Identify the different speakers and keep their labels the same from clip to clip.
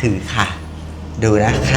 Speaker 1: ถือค่ะ ดูนะคะ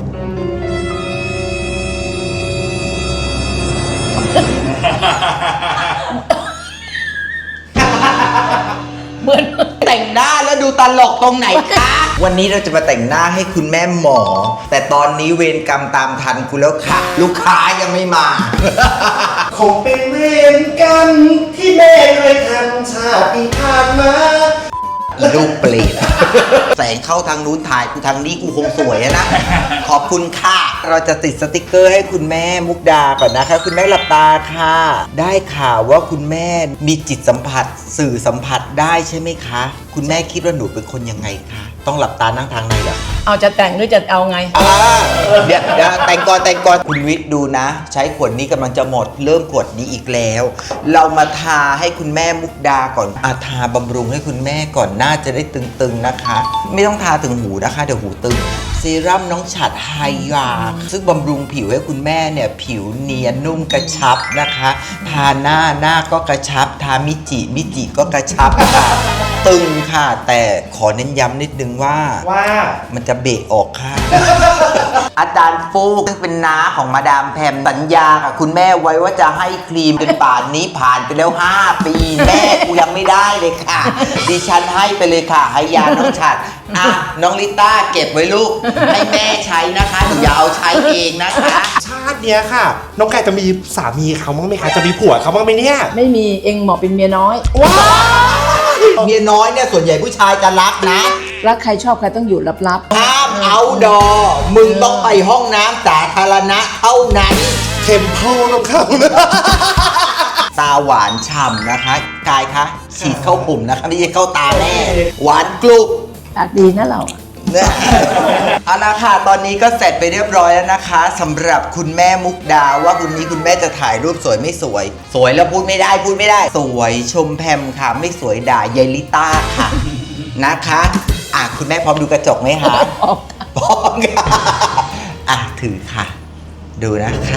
Speaker 2: เหมือน
Speaker 1: แต่งหน้าแล้วดูตลกตรงไหนคะ วันนี้เราจะมาแต่งหน้าให้คุณแม่หมอ แต่ตอนนี้เวรกรรมตามทันคุณแล้วค่ะ ลูกค้ายังไม่มา
Speaker 3: คงเป็นเวรกรรมที่แม่เคยทำชาติที่ผ่านมา
Speaker 1: ลูกเปรต แสงเข้าทางนู้นถ่ายกูทางนี้กูคงสวยอะนะ ขอบคุณค่ะ เราจะติดสติกเกอร์ให้คุณแม่มุกดาก่อนนะคะ คุณแม่หลับตาค่ะ ได้ข่าวว่าคุณแม่มีจิตสัมผัสสื่อสัมผัสได้ใช่ไหมคะ คุณแม่คิดว่าหนูเป็นคนยังไงคะต้องหลับตานั่งทางในเหรอ
Speaker 2: เอาจะแต่งหรือจะเอาไง
Speaker 1: เดี๋ยวแต่งก่อนคุณวิทย์ดูนะ ใช้ขวดนี้กำลังจะหมดเริ่มขวดนี้อีกแล้ว เรามาทาให้คุณแม่มุกดาก่อนทาบำรุงให้คุณแม่ก่อนหน้าจะได้ตึงๆนะคะ ไม่ต้องทาถึงหูนะคะเดี๋ยวหูตึงเซรั่มน้องฉัดไฮยาซึ่งบำรุงผิวให้คุณแม่เนี่ยผิวเนียนนุ่มกระชับนะคะ ทาหน้าก็กระชับ ทามิจิก็กระชับค่ะตึงค่ะ แต่ขอเน้นย้ำนิดนึงว่ามันจะเบะออกค่ะ อาจารย์ฟูกซึ่งเป็นน้าของมาดามแพมสัญญากับคุณแม่ไว้ว่าจะให้ครีมจนป่านนี้ผ่านไปแล้ว5 ปีแม่กูยังไม่ได้เลยค่ะ ดิฉันให้ไปเลยค่ะให้ยาน้องฉัดน้องลิต้าเก็บไว้ลูกให้แม่ใช้นะคะหนูอย่าเอาใช้เองนะคะ
Speaker 3: ชาติเนี้ยค่ะ น้องไก่จะมีสามีเขาบ้างไหมคะ จะมีผัวเขาบ้างไหมเนี่ย
Speaker 2: ไม่มีเองเหมาะเป็นเมียน้อย
Speaker 3: ว้าว
Speaker 1: เมียน้อยเนี่ยส่วนใหญ่ผู้ชายจะรักนะ
Speaker 2: รักใครชอบใครต้องอยู่ลับ
Speaker 1: ห้ามเอาดอมึงต้องไปห้องน้ำสาธารณะเท่านั้น
Speaker 3: เทมเพลของเขานะ
Speaker 1: ตาหวานฉ่ำนะคะกายคะฉีดเข้าปุ่มนะคะไม่ใช่เข้าตาแม่หวานกรุบ
Speaker 2: ๆปากดีนะเรา
Speaker 1: เนี่ยเอาละค่ะตอนนี้ก็เสร็จไปเรียบร้อยแล้วนะคะสำหรับคุณแม่มุกดาว่าคุณนี้คุณแม่จะถ่ายรูปสวยไม่สวย สวยแล้วพูดไม่ได้ สวยชมแพมค่ะไม่สวยด่ายายลิต้าค่ะนะคะคุณแม่พร้อมดูกระจกไหมคะพร้อมค่ะถือค่ะ ดูนะคะ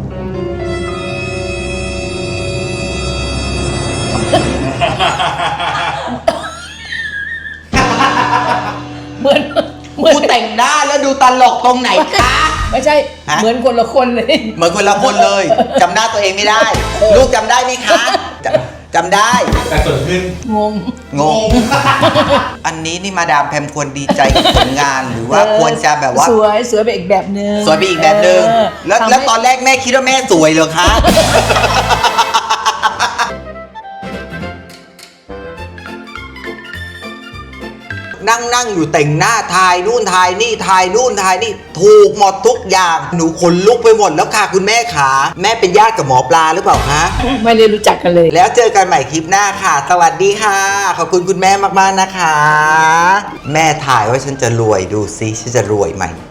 Speaker 2: เหมือน
Speaker 1: กูแต่งหน้าแล้วดูตลกตรงไหนคะ
Speaker 2: ไม่ใช่ เหมือนคนละคนเลย
Speaker 1: เหมือนคนละคนเลยจำหน้าตัวเองไม่ได้ ลูกจำได้ไหมคะจำได้
Speaker 3: แต่ส่วนขึ้น
Speaker 2: งง
Speaker 1: อันนี้นี่มาดามแพมควรดีใจกับผลงานหรือว่าควรจะแบบว่า
Speaker 2: สวยไปอีกแบบนึง
Speaker 1: สวยไปอีกแบบนึงแล้วตอนแรกแม่คิดว่าแม่สวยเหรอคะ นั่งอยู่แต่งหน้าถ่ายนู่นถ่ายนี่ถ่ายนู่นถ่ายนี่ถูกหมดทุกอย่างหนูขนลุกไปหมดแล้วค่ะคุณแม่ขาแม่เป็นญาติกับหมอปลาหรือเปล่าคะ
Speaker 2: ไม่ได้รู้จักกันเลย
Speaker 1: แล้วเจอกันใหม่คลิปหน้าค่ะ สวัสดีค่ะ ขอบคุณคุณแม่มากๆนะคะ แม่ถ่ายว่าฉันจะรวยดูซิฉันจะรวยไหม